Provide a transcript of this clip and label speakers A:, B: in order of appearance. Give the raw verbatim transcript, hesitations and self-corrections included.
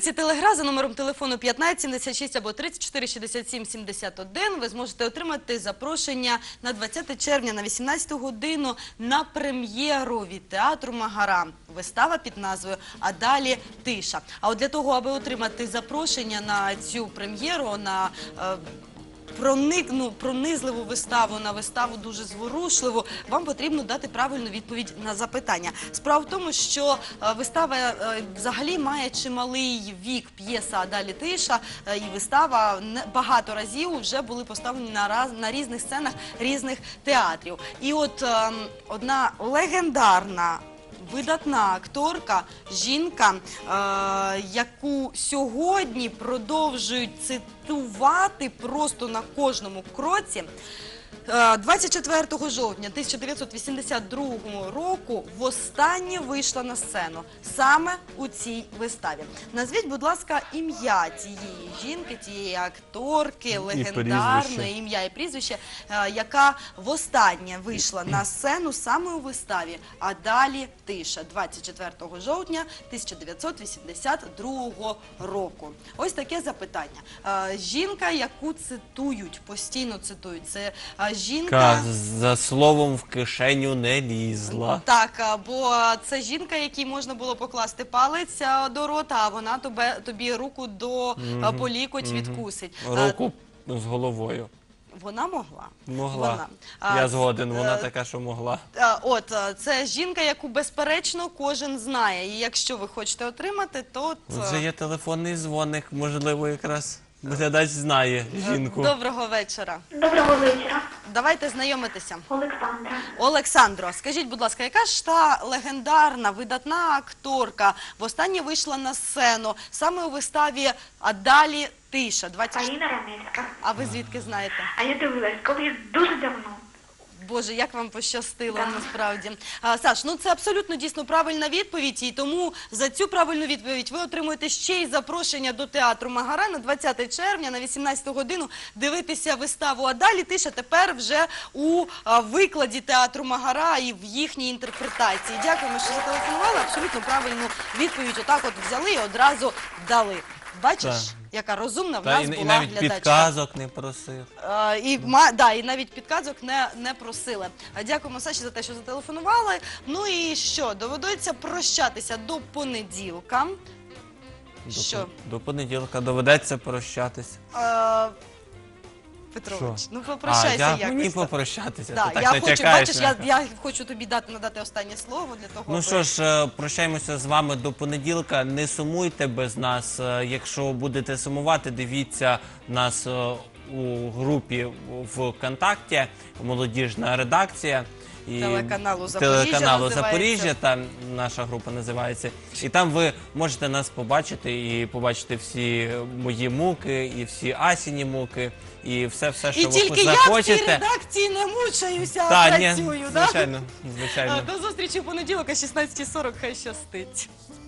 A: сторінці Телегра за номером телефону п'ятнадцять сімдесят шість або тридцять чотири шістдесят сім сімдесят один ви зможете отримати запрошення на двадцяте червня на вісімнадцяту годину на прем'єру від театру Магара. Вистава під назвою «А далі тиша». А от для того, аби отримати запрошення на цю прем'єру, на е, проникну, пронизливу виставу, на виставу дуже зворушливу, вам потрібно дати правильну відповідь на запитання. Справа в тому, що е, вистава е, взагалі має чималий вік, п'єса «А далі тиша», е, і вистава не, багато разів вже були поставлені на, раз, на різних сценах різних театрів. І от е, одна легендарна, видатна акторка, жінка, е, яку сьогодні продовжують цитувати просто на кожному кроці. двадцять четвертого жовтня тисяча дев'ятсот вісімдесят другого року востаннє вийшла на сцену саме у цій виставі. Назвіть, будь ласка, ім'я цієї жінки, цієї акторки, легендарної, ім'я і прізвище, яка востаннє вийшла на сцену саме у виставі «А далі тиша» двадцять четвертого жовтня тисяча дев'ятсот вісімдесят другого року. Ось таке запитання. Жінка, яку цитують, постійно цитують, це жінка...
B: За словом в кишеню не лізла.
A: Так, бо це жінка, якій можна було покласти палець до рота, а вона тобі, тобі руку до
B: Мгм.
A: по лікоть
B: Мгм.
A: відкусить.
B: Руку з головою.
A: Вона могла.
B: Могла.
A: Вона.
B: Я
A: А,
B: згоден, вона
A: е,
B: така, що могла.
A: А, От, а, це жінка, яку безперечно кожен знає. І якщо ви хочете отримати, то... от,
B: Вже є телефонний дзвоник, можливо, якраз глядач знає жінку.
A: Доброго вечора.
C: Доброго вечора.
A: Давайте знайомитися.
C: Олександра.
A: Олександро, скажіть, будь ласка, яка ж та легендарна, видатна акторка востаннє вийшла на сцену саме у виставі «А далі тиша»? двадцять...
C: Аліна Ранецька.
A: А ви звідки знаєте?
C: А я дивилась, колись дуже давно.
A: Боже, як вам пощастило,
C: Так.
A: насправді. А, Саш, ну це абсолютно дійсно правильна відповідь, і тому за цю правильну відповідь ви отримуєте ще й запрошення до театру Магара на двадцяте червня на вісімнадцяту годину дивитися виставу «А далі тиша» тепер вже у а, викладі театру Магара і в їхній інтерпретації. Дякуємо, що зателефонували. Абсолютно правильну відповідь отак от взяли і одразу дали. Бачиш,
B: Так.
A: яка розумна в
B: Та,
A: нас
B: і,
A: була
B: і навіть
A: глядачка.
B: підказок не просив.
A: Е, І, ма- да, і навіть підказок не, не просили. А дякуємо, Саші, за те, що зателефонували. Ну і що, доведеться прощатися до понеділка.
B: До,
A: Що?
B: пон- до понеділка доведеться прощатись.
A: Е, Петрович,
B: Що?
A: ну
B: А,
A: попрощайся
B: я
A: якось.
B: мені
A: так.
B: попрощатися.
A: Да,
B: Ти так
A: я
B: не
A: хочу,
B: чекаєш,
A: бачиш,
B: не?
A: я, я хочу тобі дати, надати останнє слово для того,
B: Ну
A: аби-
B: що ж, е, прощаємося з вами до понеділка. Не сумуйте без нас. Е, Якщо будете сумувати, дивіться нас е, у групі ВКонтакті «Молодіжна редакція». І
A: Телеканалу «Запоріжжя»
B: телеканалу
A: називається.
B: «Запоріжжя», там наша група називається. І там ви можете нас побачити і побачити всі мої муки, і всі Асіні муки, і все-все, що
A: І
B: ви
A: тільки я в цій
B: захочете.
A: редакції не мучаюся, а
B: Та, ні,
A: працюю. Да?
B: звичайно, звичайно.
A: До зустрічі в понеділок о шістнадцятій сорок, хай щастить.